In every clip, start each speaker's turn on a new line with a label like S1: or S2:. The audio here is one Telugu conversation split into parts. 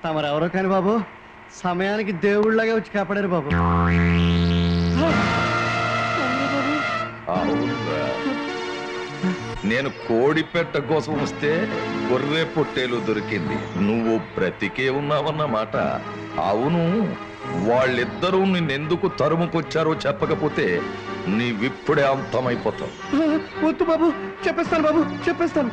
S1: తమరెవరో కాని బాబు సమయానికి దేవుళ్ళగా వచ్చి కాపాడారు బాబు.
S2: అవునురా, నేను కోడిపెట్ట కోసం వస్తే గొర్రె పొట్టేలు దొరికింది, నువ్వు బ్రతికే ఉన్నావన్నమాట. అవును, వాళ్ళిద్దరూ నిన్నెందుకు తరుముకొచ్చారో చెప్పకపోతే నీవిప్పుడే అంతమైపోతావు.
S1: వద్దు బాబు, చెప్పేస్తాను బాబు, చెప్పేస్తాను.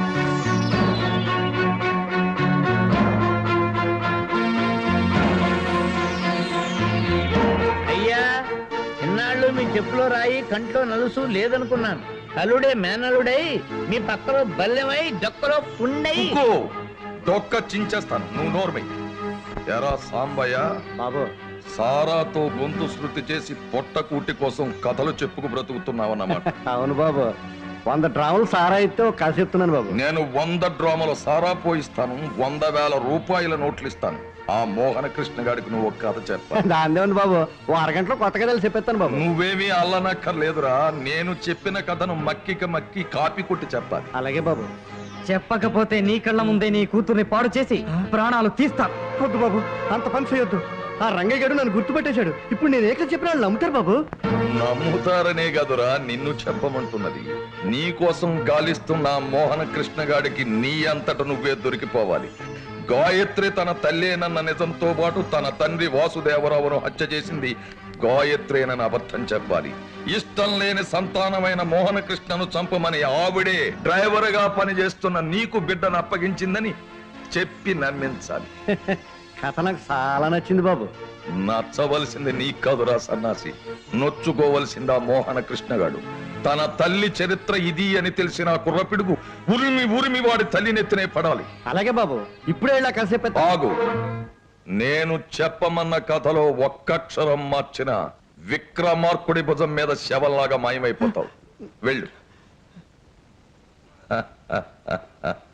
S3: అయ్యా, ఇన్నాళ్ళు మీ చెప్పులో రాయి కంట్లో నలుసు లేదనుకున్నాను. కలుడే మేనలుడై మీ పక్కలో బల్లెమై డొక్కలో పుండై.
S2: డొక్క చించేస్తాను, నువ్వు నోర్మై. ఎరా సాంబయ్య
S1: బాబు,
S2: సారాతో గొంతు శృతి చేసి పొట్ట కూటి కోసం కథలు చెప్పుకు బ్రతుకుతున్నావన్నమాట.
S1: అవును బాబు, 100 డ్రాములు సారా అయితే ఒక కథ చెప్తున్నాను బాబు.
S2: నేను 100 డ్రామాల సారా పోయిస్తాను, 100,000 రూపాయల నోట్లు ఇస్తాను. ఆ మోహన కృష్ణ గారికి నువ్వు ఒక కథ చెప్పాలి.
S1: దాందే ఉంది బాబు, ఓ అరగంటలో కొత్త కథలు చెప్పేస్తాను బాబు.
S2: నువ్వేమీ అల్లనక్కర్లేదురా, నేను చెప్పిన కథను మక్కి కాపీ కొట్టి చెప్పాలి.
S1: అలాగే బాబు.
S4: చెప్పకపోతే నీ కళ్ళ ముందే నీ కూతుర్ని పాడు చేసి ప్రాణాలు తీస్తా.
S1: వద్దు బాబు, అంత పని చేయొద్దు. ఆ రంగయ్య గారు నన్ను గుర్తుపెట్టేశాడు. ఇప్పుడు నేను ఏక చెప్పిన వాళ్ళు నమ్ముతారు బాబు.
S2: నమ్ముతారనే కదురా నిన్ను చెప్పమంటున్నది. నీ కోసం గాలిస్తున్న మోహన కృష్ణ గాడికి నీ అంతట నువ్వే దొరికిపోవాలి. గాయత్రి తన తల్లేనన్న నిజంతో పాటు తన తండ్రి వాసుదేవరావును హత్య చేసింది గాయత్రేనని అబద్ధం చెప్పాలి. ఇష్టం లేని సంతానమైన మోహన కృష్ణను చంపమని ఆవిడే డ్రైవర్ గా పనిచేస్తున్న నీకు బిడ్డను అప్పగించిందని చెప్పి నమ్మించాలి.
S1: కథ నాకు చాలా నచ్చింది బాబు.
S2: నచ్చవలసింది నీ కాదురా సన్నాసి, నొచ్చుకోవలసిందా మోహన కృష్ణగాడు. తన తల్లి చరిత్ర ఇది అని తెలిసిన కుర్రపిడుగు ఉరిమి వాడి తల్లి నెత్తినే పడాలి.
S1: అలాగే బాబు, ఇప్పుడే ఇలా కలిసి చెప్పేస్తా.
S2: ఆగు, నేను చెప్పమన్న కథలో ఒక్కక్షరం మార్చిన విక్రమార్కుడి భుజం మీద శవంలాగా మాయమైపోతావు. వెళ్ళు.